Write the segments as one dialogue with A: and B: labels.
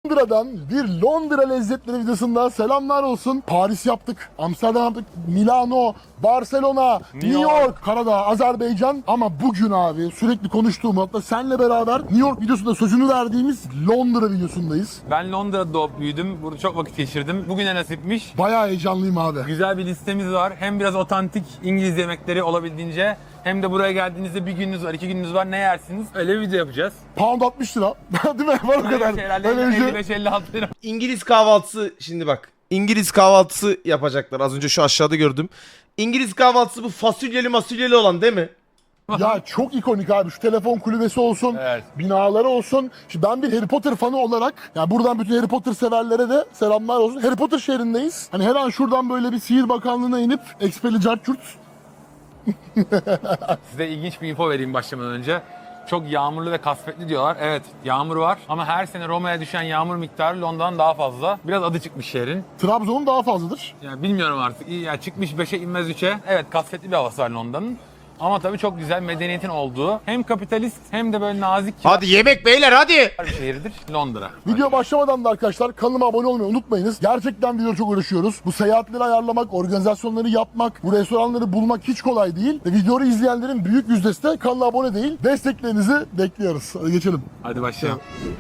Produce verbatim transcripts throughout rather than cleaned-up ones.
A: Londra'dan bir Londra lezzetleri videosundan selamlar olsun. Paris yaptık, Amsterdam yaptık, Milano, Barcelona, New, New York, York, Karadağ, Azerbaycan. Ama bugün abi sürekli konuştuğum, hatta seninle beraber New York videosunda sözünü verdiğimiz Londra videosundayız.
B: Ben Londra'da doğup büyüdüm. Burada çok vakit geçirdim. Bugüne nasipmiş.
A: Bayağı heyecanlıyım abi.
B: Güzel bir listemiz var. Hem biraz otantik İngiliz yemekleri olabildiğince, hem de buraya geldiğinizde bir gününüz var, iki gününüz var. Ne yersiniz? Öyle bir video yapacağız.
A: Pound altmış lira. Değil mi? Var o kadar.
B: Öyle bir şey. elli beş elli altı lira.
C: İngiliz kahvaltısı şimdi bak. İngiliz kahvaltısı yapacaklar. Az önce şu aşağıda gördüm. İngiliz kahvaltısı bu fasulyeli masulyeli olan değil mi?
A: Ya çok ikonik abi. Şu telefon kulübesi olsun,
B: Evet.
A: binaları olsun. Şimdi ben bir Harry Potter fanı olarak, ya buradan bütün Harry Potter severlere de selamlar olsun. Harry Potter şehrindeyiz. Hani her an şuradan böyle bir Sihir Bakanlığı'na inip Expelli Cartürt.
B: Size ilginç bir info vereyim başlamadan önce. Çok yağmurlu ve kasvetli diyorlar. Evet, yağmur var ama her sene Roma'ya düşen yağmur miktarı Londra'dan daha fazla. Biraz adı çıkmış şehrin.
A: Trabzon'un daha fazladır.
B: Yani bilmiyorum artık. İyi, yani çıkmış beşe inmez üçe. Evet, kasvetli bir havası var Londra'nın. Ama tabii çok güzel medeniyetin olduğu, hem kapitalist hem de böyle nazik
C: Hadi yemek beyler hadi.
B: bir şehirdir Londra.
A: Video başlamadan da arkadaşlar kanalıma abone olmayı unutmayınız. Gerçekten video çok uğraşıyoruz. Bu seyahatleri ayarlamak, organizasyonları yapmak, bu restoranları bulmak hiç kolay değil. Ve videoyu izleyenlerin büyük yüzdesi de kanala abone değil. Desteklerinizi bekliyoruz. Hadi geçelim.
B: Hadi başlayalım.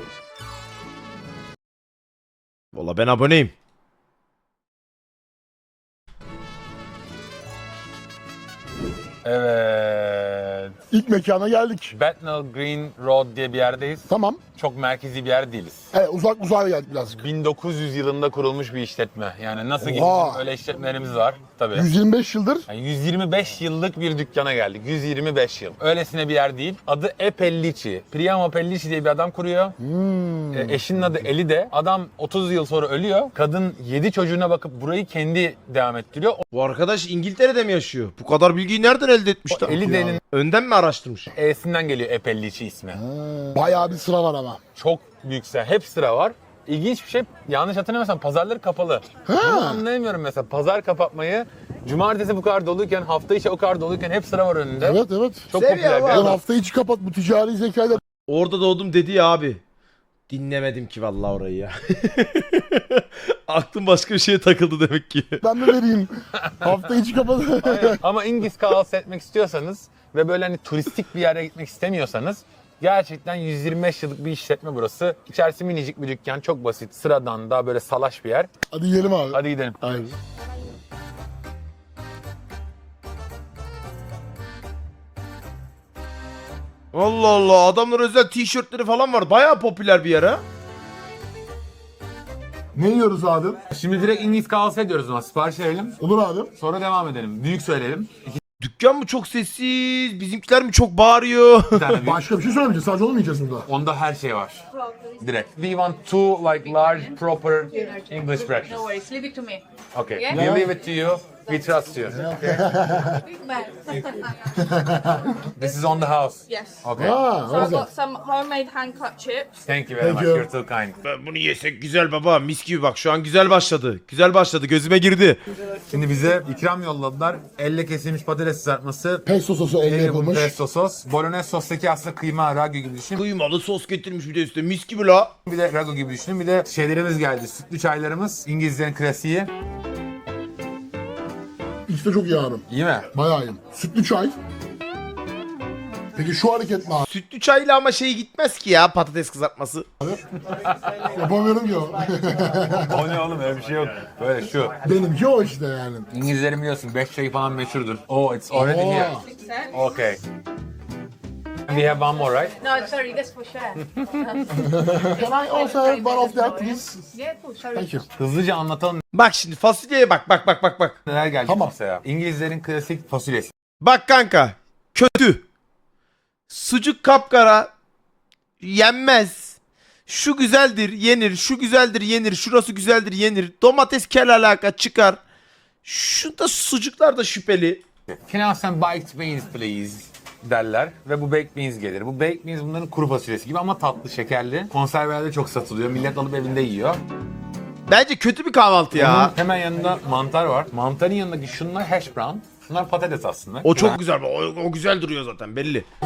C: Valla ben aboneyim.
B: Evet.
A: İlk mekana geldik.
B: Bethnal Green Road diye bir yerdeyiz.
A: Tamam.
B: Çok merkezi bir yer değiliz.
A: Evet, uzak uzağa geldik birazcık.
B: bin dokuz yüz yılında kurulmuş bir işletme. Yani nasıl gibi
A: Oha.
B: öyle işletmelerimiz var tabii.
A: yüz yirmi beş yıldır.
B: Yani yüz yirmi beş yıllık bir dükkana geldik. yüz yirmi beş yıl. Öylesine bir yer değil. Adı E. Pellici. Priamo Pellici diye bir adam kuruyor.
A: Hmm.
B: E, eşinin adı Eli de. Adam otuz yıl sonra ölüyor. Kadın yedi çocuğuna bakıp burayı kendi devam ettiriyor.
C: Bu arkadaş İngiltere'de mi yaşıyor? Bu kadar bilgiyi nereden elde etmiş
B: O
C: lan?
B: Eli de'nin
C: Önden mi araştırmış?
B: E'sinden geliyor E. Pellici ismi.
A: Ha, bayağı bir sıra var ama.
B: Çok büyük sıra. Hep sıra var. İlginç bir şey, yanlış hatırlamıyorsam pazarları kapalı.
A: Ha.
B: Bunu anlayamıyorum mesela. Pazar kapatmayı, cumartesi bu kadar doluyken, hafta içi o kadar doluyken hep sıra var önünde.
A: Evet evet.
B: Çok
C: Seviyor
B: popüler bir
C: abi.
A: Ben
B: adam.
A: hafta içi kapat, bu ticari zekayla.
C: Orada doğdum dedi ya abi. Dinlemedim ki vallahi orayı ya. Aklım başka bir şeye takıldı demek ki.
A: Ben de vereyim. Hafta içi kapat.
B: Ama İngiliz kahvaltısı etmek istiyorsanız ve böyle hani turistik bir yere gitmek istemiyorsanız, gerçekten yüz yirmi beş yıllık bir işletme burası. İçerisi minicik bir dükkan, çok basit, sıradan, daha böyle salaş bir yer.
A: Hadi yiyelim abi.
B: Hadi gidelim.
A: Aynen.
C: Allah Allah, adamlar özel tişörtleri falan var. Bayağı popüler bir yer ha.
A: Ne yiyoruz abi?
B: Şimdi direkt İngiliz kahvaltısı ediyoruz ama sipariş verelim.
A: Olur abi.
B: Sonra devam edelim. Büyük söyleyelim.
C: Dükkan mı çok sessiz, bizimkiler mi çok bağırıyor?
B: İki tane büyük.
A: Başka bir şey söylemeyeceğiz. Sadece onu mu yiyeceğiz burada?
B: Onda her şey var. Direkt. We want two like large proper English
D: No
B: breakfast.
D: worries, leave it to me.
B: Okay.
D: Yeah?
B: We leave it to you. We trust you.
D: Big man.
B: This is on the house.
D: Yes.
B: Okay.
A: Ha,
D: So
A: o
D: I've
A: güzel.
D: got some homemade hand cut chips.
B: Thank you very
A: Thank
B: much.
A: you.
B: You're too kind.
C: Ben bunu yesek güzel baba, mis gibi bak, şu an güzel başladı. Güzel başladı, gözüme girdi.
B: Şimdi bize ikram yolladılar. Elle kesilmiş patates kızartması.
A: Pesto sosu elle
B: Elle yapılmış
A: yapılmış.
B: pesto sos. Bolognese sostaki aslında kıyma, ragu gibi düşünün.
C: Kıymalı sos getirmiş bir de üstüne, mis gibi la.
B: Bir de ragu gibi düşünün. Bir de şeylerimiz geldi. Sütlü çaylarımız. İngilizlerin klasiği.
A: İkisi de çok iyi abi.
B: İyi mi?
A: Bayağı iyi. Sütlü çay. Peki şu hareket mi abi?
C: Sütlü çayla ama şey gitmez ki ya, patates kızartması.
A: Yapamıyorum ki o.
B: O ne oğlum, öyle bir şey yok. Böyle şu.
A: Benimki o işte yani.
B: İngilizlerin biliyorsun beş çayı falan meşhurdur. Oh, it's already
A: Oo.
B: here. Okay. We have one more, right?
D: No, sorry, that's for share.
A: Can I also have one of that please?
D: Yeah, cool, sorry.
A: Thank you.
B: Hızlıca anlatalım
C: Bak şimdi fasulyeye bak, bak bak bak bak.
B: neler gelecek
A: Tamam.
B: masaya. İngilizlerin klasik fasulyesi.
C: Bak kanka, kötü. Sucuk kapkara, yenmez. Şu güzeldir, yenir. Şu güzeldir, yenir. Şurası güzeldir, yenir. Domates kel alaka çıkar. Şu da sucuklar da şüpheli.
B: Can I have some baked beans please? Derler ve bu baked beans gelir. Bu baked beans bunların kuru fasulyesi gibi ama tatlı, şekerli. Konservelerde çok satılıyor. Millet alıp evinde yiyor.
C: Bence kötü bir kahvaltı ya.
B: Bunun hemen yanında mantar var. Mantarın yanındaki şunlar hash brown. Şunlar patates aslında.
C: O çok güzel. O, o güzel duruyor zaten belli.
A: Ha.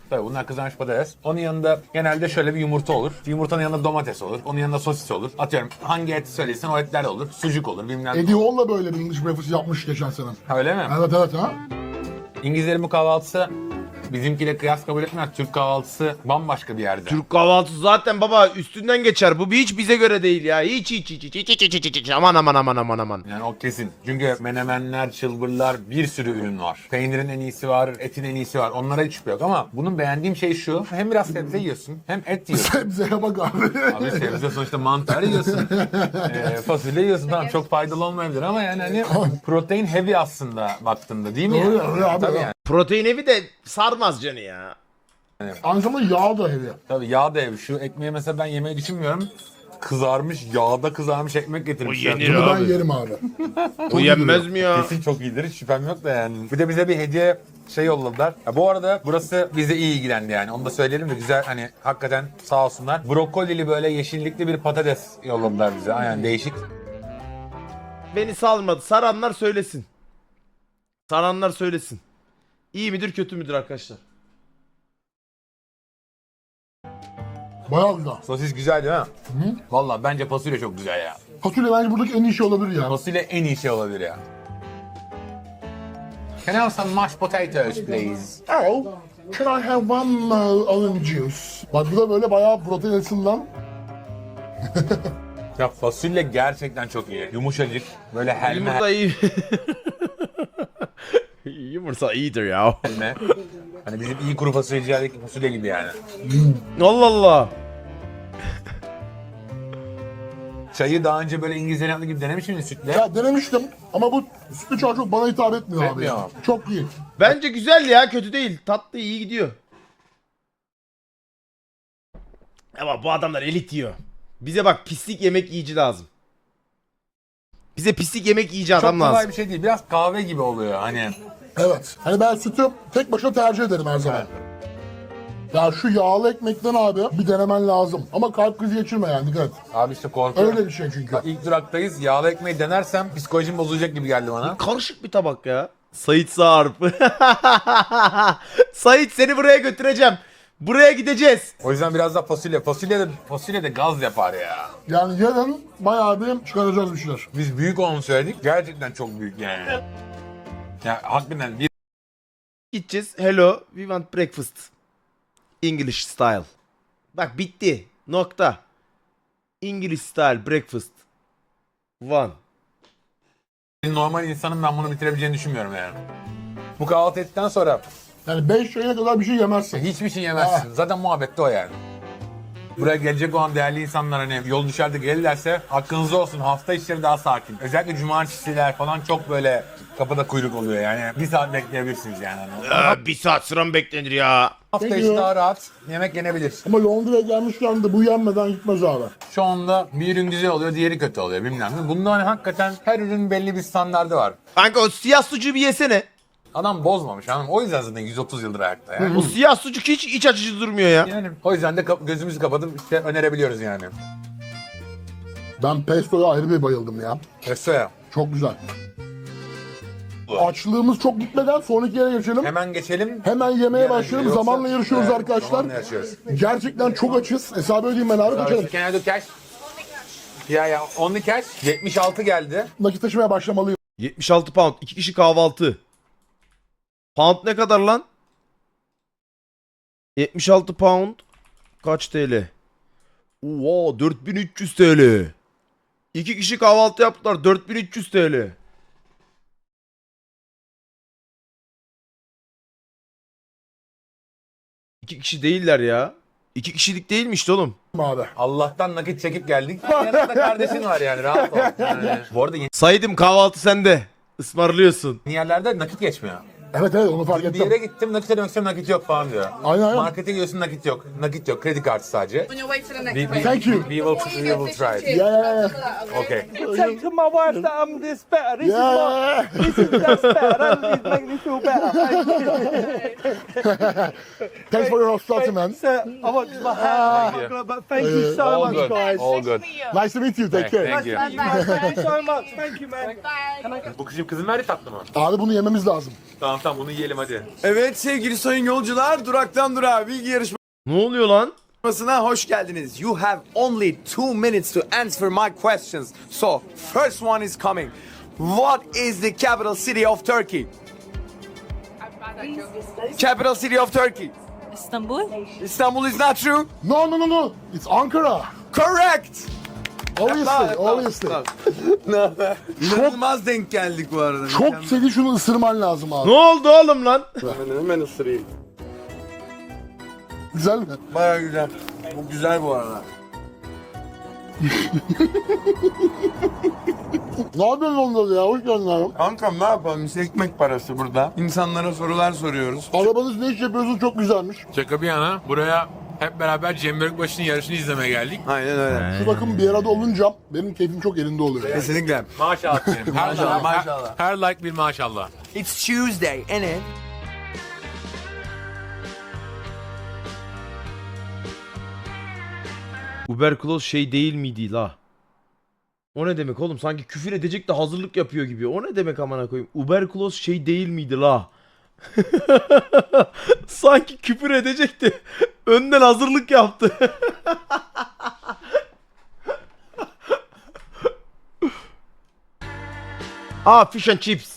B: Tabii bunlar kızarmış patates. Onun yanında genelde şöyle bir yumurta olur. Yumurtanın yanında domates olur. Onun yanında sosis olur. Atıyorum hangi et söylesen o etler de olur. Sucuk olur bilmem ne.
A: Eddie Hall da böyle bir English breakfast yapmış geçen sene.
B: Öyle mi?
A: Evet evet ha.
B: İngilizlerin bu kahvaltısı bizimkiyle kıyas kabul etmez. Türk kahvaltısı bambaşka bir yerde.
C: Türk kahvaltısı zaten baba üstünden geçer. Bu hiç bize göre değil ya. Hiç hiç hiç hiç hiç hiç hiç hiç hiç. Aman aman aman aman aman.
B: Yani o kesin. Çünkü menemenler, çılbırlar bir sürü ürün var. Peynirin en iyisi var, etin en iyisi var. Onlara hiç şüphe yok ama bunun beğendiğim şey şu. Hem biraz sebze yiyorsun hem et yiyorsun.
A: Sebzeye bak abi.
B: Abi sebze sonuçta mantar yiyorsun. ee, fasulye yiyorsun. Tamam çok faydalı olmayabilir ama yani hani protein heavy aslında baktığında değil mi?
A: Doğru,
B: yani?
A: öyle abi,
B: Tabii
A: ya.
B: yani.
C: Protein evi de sarmaz canı ya.
A: Aynı zamanda yağ da heavy.
B: Tabii yağ da heavy. Şu ekmeği mesela ben yemeyi düşünmüyorum. Kızarmış, yağda kızarmış ekmek getirmişler.
C: O yenir
A: Bunu ben
C: abi.
A: yerim abi.
C: O yenmez mi ya?
B: Kesin çok iyidir. Hiç şüphem yok da yani. Bir de bize bir hediye şey yolladılar. Ya bu arada burası bize iyi ilgilendi yani. Onu da söyleyelim de güzel hani hakikaten sağ olsunlar. Brokolili böyle yeşillikli bir patates yolladılar bize. Aynen değişik.
C: Beni salmadı. Saranlar söylesin. Saranlar söylesin. İyi midir kötü müdür arkadaşlar?
A: Bayağı güzel.
B: Sosis güzel değil mi? Hı? Valla bence fasulye çok güzel ya.
A: Fasulye bence buradaki en iyi şey olabilir ya.
B: Fasulye en iyi şey olabilir ya. Can I have some mashed potatoes please?
A: Oh, can I have one uh, orange juice? Bak bu da böyle bayağı protein açısından.
B: Ya fasulye gerçekten çok iyi. Yumuşacık. Böyle helme
C: Yumurta iyi. Yumurta iyidir ya.
B: helme. Hani bizim iyi kuru fasulyecilerdeki fasulye gibi yani.
C: Allah Allah.
B: Çayı daha önce böyle İngilizlerin yaptığı gibi denemiş miydin sütle?
A: Ya denemiştim ama bu sütlü çay çok bana hitap etmiyor, abi.
B: Etmiyor.
A: Ya. Çok iyi.
C: Bence güzel ya kötü değil. Tatlı iyi gidiyor. Ama bu adamlar elit yiyor. Bize bak pislik yemek yiyici lazım. Bize pislik yemek yiyici
B: Çok
C: adam
B: kolay
C: lazım.
B: bir şey değil. Biraz kahve gibi oluyor hani.
A: Evet. Hani ben sütü tek başına tercih ederim her zaman. Ya şu yağlı ekmekten abi bir denemen lazım. Ama kalp krizi geçirme yani, dikkat et.
B: Abi işte korkuyorum.
A: Öyle bir şey çünkü.
B: Bak ilk duraktayız. Yağlı ekmeği denersem psikolojim bozulacak gibi geldi bana.
C: Karışık bir tabak ya. Sait Sarp. Sait seni buraya götüreceğim. Buraya gideceğiz.
B: O yüzden biraz da fasulye. Fasulye de, fasulye de gaz yapar ya.
A: Yani yarın bayağı bir çıkaracağız bir şeyler.
B: Biz büyük olanı söyledik. Gerçekten çok büyük yani. Ya hakikaten bir
C: Gideceğiz. Hello, we want breakfast. English style. Bak bitti. Nokta. English style breakfast. One.
B: normal insanın ben bunu bitirebileceğini düşünmüyorum yani. Bu kahvaltı ettikten sonra
A: Yani beş yayına kadar bir şey yemezsin.
B: hiçbir şey yemezsin. Zaten muhabbette o yani. Buraya gelecek olan değerli insanlar hani yol düşerde gelirlerse hakkınızda olsun, hafta içleri daha sakin. Özellikle cumartesiler falan çok böyle kapıda kuyruk oluyor yani. Bir saat bekleyebilirsiniz yani.
C: Aa, bir saat sıra mı beklenir ya?
B: Hafta
A: Peki
B: içi
A: ya.
B: daha rahat yemek yenebilir.
A: Ama Londra'ya gelmişken de bu yenmeden gitmez abi.
B: Şu anda bir ürün güzel oluyor, diğeri kötü oluyor bilmem ne. Bunda hani hakikaten her ürünün belli bir standardı var.
C: Kanka o siyah sucuğu bir yesene.
B: Adam bozmamış hanım. O yüzden zaten yüz otuz yıldır ayakta yani.
C: O siyah sucuk hiç iç açıcı durmuyor ya.
B: Yani o yüzden de kap- gözümüzü kapatıp işte önerebiliyoruz yani.
A: Ben pesto'ya ayrı bir bayıldım ya.
B: Restoya.
A: Çok güzel. Açlığımız çok gitmeden sonraki yere geçelim.
B: Hemen geçelim.
A: Hemen yemeye
B: Yani
A: başlayalım.
B: yoksa-
A: Zamanla yarışıyoruz
B: Evet,
A: arkadaşlar.
B: zamanla yarışıyoruz.
A: Gerçekten çok açız. Hesabı ödeyeyim ben abi. Kaçalım.
B: Can I do cash? Ya ya only cash. yetmiş altı geldi.
A: Nakit taşımaya başlamalıyım.
C: yetmiş altı pound. iki kişi kahvaltı. Pound ne kadar lan? yetmiş altı pound. Kaç T L? Oo dört bin üç yüz T L. İki kişi kahvaltı yaptılar. dört bin üç yüz T L. İki kişi değiller ya. İki kişilik değilmiş de oğlum.
A: Abi.
B: Allah'tan nakit çekip geldik. Yanında kardeşin var yani rahat ol. Yani. Bu arada yeni
C: Saydım kahvaltı sende. Ismarlıyorsun.
B: yerlerde nakit geçmiyor.
A: Evet evet onu fark
B: Bir
A: ettim.
B: yere gittim nakit ödemek istiyorum nakit yok falan diyor.
A: Aynen aynen.
B: Markete gidiyorsun nakit yok. Nakit yok. Kredi kartı sadece.
D: On your way to the next
B: We, we,
D: one.
A: Thank you.
B: we will, we will try it.
A: Yeah, yeah, yeah.
B: Okay.
E: Say to my wife that I'm this better. This
A: Yeah.
E: is my, this is that's better. That is making me feel better.
A: Thanks for your hospitality, man.
E: So I want my hand, but thank you so
B: All
E: much,
B: good.
E: guys.
B: All good.
A: Nice to meet you. Take care.
B: Thank you.
E: Thank you so much. Thank you, man.
B: Bu kızım kızın verdi tatlı mı?
A: Abi bunu yememiz lazım.
B: Tamam. tamam bunu yiyelim hadi.
F: Evet sevgili sayın yolcular, duraktan durağa bilgi
C: Ne oluyor lan?
F: yarışmasına hoş geldiniz. You have only two minutes to answer my questions. So, first one is coming. What is the capital city of Turkey? Capital city of Turkey.
D: Istanbul.
F: Istanbul is not true.
A: No no no no. It's Ankara.
F: Correct.
A: Obviously, obviously.
F: İnanılmaz denk geldik bu arada.
A: Çok seni şunu ısırman lazım
C: Ne
A: abi.
C: oldu oğlum lan?
F: Hemen, hemen ısırayım.
A: Güzel mi?
F: Baya güzel. Bu güzel bu arada.
A: Ne yapıyorsun onda ya? Hoş geldin abi.
F: Kankam ne yapalım? Biz ekmek parası burada. İnsanlara sorular soruyoruz.
A: Arabanız ne iş yapıyorsun? Çok güzelmiş.
B: Şaka bir yana buraya hep beraber Cem Börükbaşı'nın yarışını izlemeye geldik.
F: Aynen öyle.
A: Şu takım bir arada olunca benim keyfim çok yerinde oluyor.
F: Kesinlikle.
B: Maşallah diyelim. Her,
F: Maşallah,
B: her-
F: maşallah.
B: Her, like bir maşallah.
F: It's Tuesday, ain't it?
C: Uberkloz şey değil miydi la? O ne demek oğlum? Sanki küfür edecek de hazırlık yapıyor gibi. O ne demek amına koyayım? Uberkloz şey değil miydi la? Sanki küfür edecekti. Önden hazırlık yaptı. Aa, fish and chips.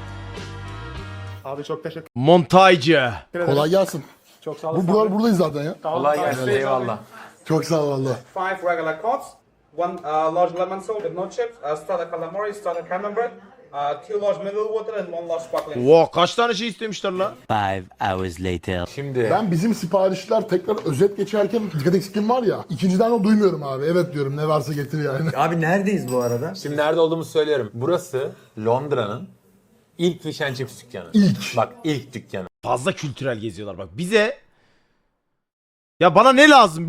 E: Abi çok teşekkür
C: Montajcı.
A: Kolay gelsin.
E: Çok sağ
A: Bu buralar buradayız zaten ya.
B: Kolay gelsin eyvallah.
A: Çok sağ ol valla.
G: Five regular cuts, one uh, large lemon salt with no chips, uh, starter calamari, starter camembert, uh, two large mineral water, and one large sparkling.
C: Wow, kaç tane şey istemişler la?
H: Five hours later.
B: Şimdi
A: Ben bizim siparişler tekrar özet geçerken dikkat eksikliğim var ya. İkinciden o duymuyorum abi. Evet diyorum, ne varsa getir yani.
F: Abi neredeyiz bu arada?
B: Şimdi nerede olduğumuzu söylüyorum. Burası Londra'nın ilk fish and chips dükkanı.
A: İlk.
B: Bak ilk dükkanı.
C: Fazla kültürel geziyorlar bak. Bize ya bana ne lazım